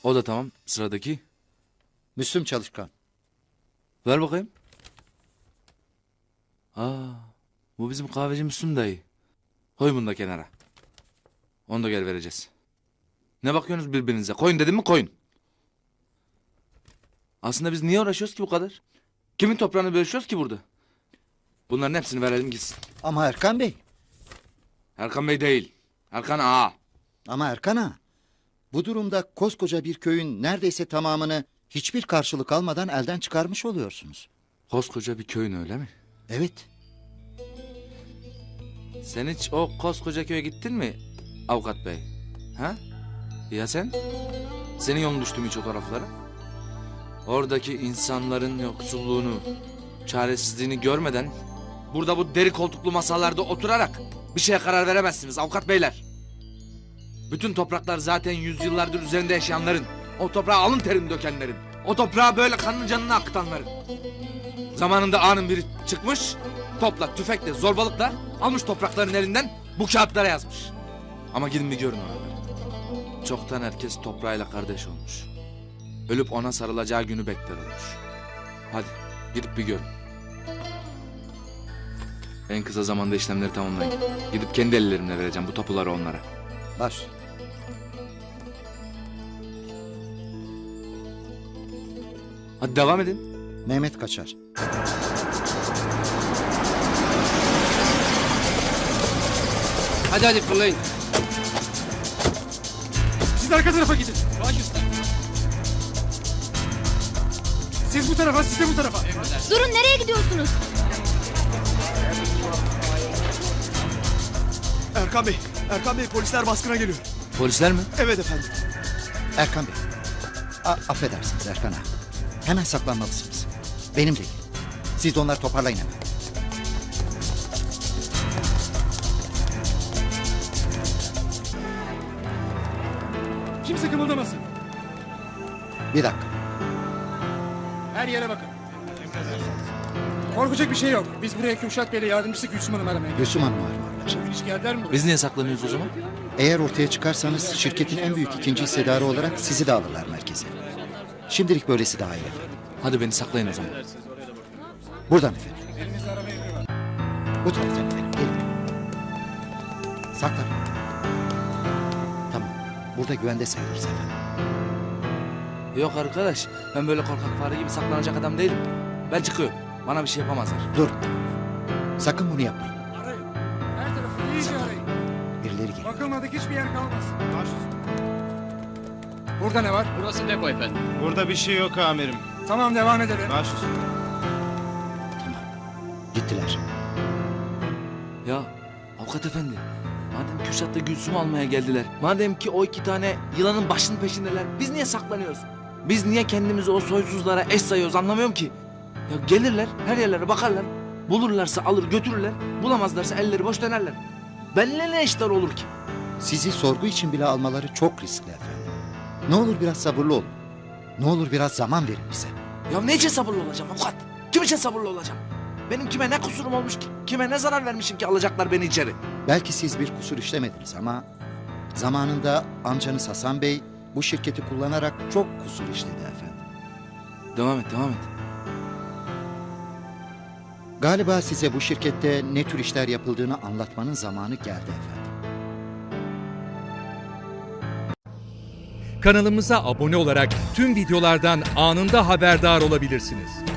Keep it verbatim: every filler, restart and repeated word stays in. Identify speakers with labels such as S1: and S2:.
S1: O da tamam. Sıradaki.
S2: Müslüm Çalışkan.
S1: Ver bakayım. Aa, bu bizim kahveci Müslüm dayı. Koy bunu da kenara. Onu da gel vereceğiz. Ne bakıyorsunuz birbirinize? Koyun dedim mi koyun. Aslında biz niye uğraşıyoruz ki bu kadar? Kimin toprağını bölüşüyoruz ki burada? Bunların hepsini verelim gitsin.
S2: Ama Erkan Bey.
S1: Erkan Bey değil. Erkan Ağa.
S2: Ama Erkan Ağa. Bu durumda koskoca bir köyün neredeyse tamamını hiçbir karşılık almadan elden çıkarmış oluyorsunuz.
S1: Koskoca bir köyün öyle mi?
S2: Evet.
S1: Sen hiç o koskoca köye gittin mi avukat bey? Ha? Ya sen? Senin yolun düştü mü hiç o taraflara? Oradaki insanların yoksulluğunu, çaresizliğini görmeden... ...burada bu deri koltuklu masalarda oturarak bir şeye karar veremezsiniz avukat beyler. Bütün topraklar zaten yüzyıllardır üzerinde yaşayanların, o toprağa alın terini dökenlerin, o toprağa böyle kanını canını akıtanların. Zamanında ağanın biri çıkmış, topla, tüfekle, zorbalıkla almış toprakların elinden bu kağıtlara yazmış. Ama gidin bir görün oraları. Çoktan herkes toprağıyla kardeş olmuş. Ölüp ona sarılacağı günü bekler olmuş. Hadi gidip bir görün. En kısa zamanda işlemleri tamamlayın. Gidip kendi ellerimle vereceğim bu tapuları onlara.
S2: Baş.
S1: Hadi devam edin.
S2: Mehmet Kaçar.
S3: Hadi hadi fırlayın.
S4: Siz arka tarafa gidin. Baş üstüne. Siz bu tarafa, siz de bu tarafa.
S5: Durun, nereye gidiyorsunuz?
S4: Erkan Bey, Erkan Bey polisler baskına geliyor.
S1: Polisler mi?
S4: Evet efendim.
S2: Erkan Bey. A affedersiniz Erkan Ağa. Hemen saklanmalısınız. Benim değil. Siz de onları toparlayın hemen.
S4: Kimse kımıldamasın.
S2: Bir dakika.
S4: Her yere bakın. Korkacak bir şey yok. Biz buraya Kürşat Bey'le yardımcısı Gülsüm Hanım aramaya geldik.
S2: Gülsüm Hanım arıyorlar.
S4: Bugün hiç geldiler mi buraya?
S1: Biz niye saklanıyoruz o zaman?
S2: Eğer ortaya çıkarsanız şirketin en büyük ikinci hissedarı olarak sizi de alırlar merkeze. Şimdilik böylesi daha iyi efendim.
S1: Hadi beni saklayın o zaman.
S2: Buradan efendim. Bu taraftan efendim. Gelin. Saklan. Tamam. Burada güvende sayılırız efendim.
S1: Yok arkadaş, ben böyle korkak fare gibi saklanacak adam değilim. Ben çıkıyorum. Bana bir şey yapamazlar.
S2: Dur. Sakın bunu yapmayın.
S4: Arayın. Her tarafı iyice arayın.
S2: Birileri geliyor.
S4: Bakılmadık hiçbir yer kalmasın. Burada ne var?
S3: Burası depo efendim.
S6: Burada bir şey yok amirim.
S4: Tamam, devam edelim.
S6: Baş üstüne.
S2: Gittiler.
S1: Ya avukat efendi, madem Kürşat'la Gülsüm'ü almaya geldiler, madem ki o iki tane yılanın başının peşindeler, biz niye saklanıyoruz? Biz niye kendimizi o soysuzlara eş sayıyoruz, anlamıyorum ki. Ya gelirler, her yerlere bakarlar, bulurlarsa alır götürürler, bulamazlarsa elleri boş dönerler. Benimle ne işler olur ki?
S2: Sizi sorgu için bile almaları çok riskli efendim. Ne olur biraz sabırlı olun. Ne olur biraz zaman verin bize.
S1: Ya ne için sabırlı olacağım avukat? Kim için sabırlı olacağım? Benim kime ne kusurum olmuş ki? Kime ne zarar vermişim ki alacaklar beni içeri?
S2: Belki siz bir kusur işlemediniz ama... ...zamanında amcanız Hasan Bey bu şirketi kullanarak çok kusur işledi efendim.
S1: Devam et, devam et.
S2: Galiba size bu şirkette ne tür işler yapıldığını anlatmanın zamanı geldi efendim.
S7: Kanalımıza abone olarak tüm videolardan anında haberdar olabilirsiniz.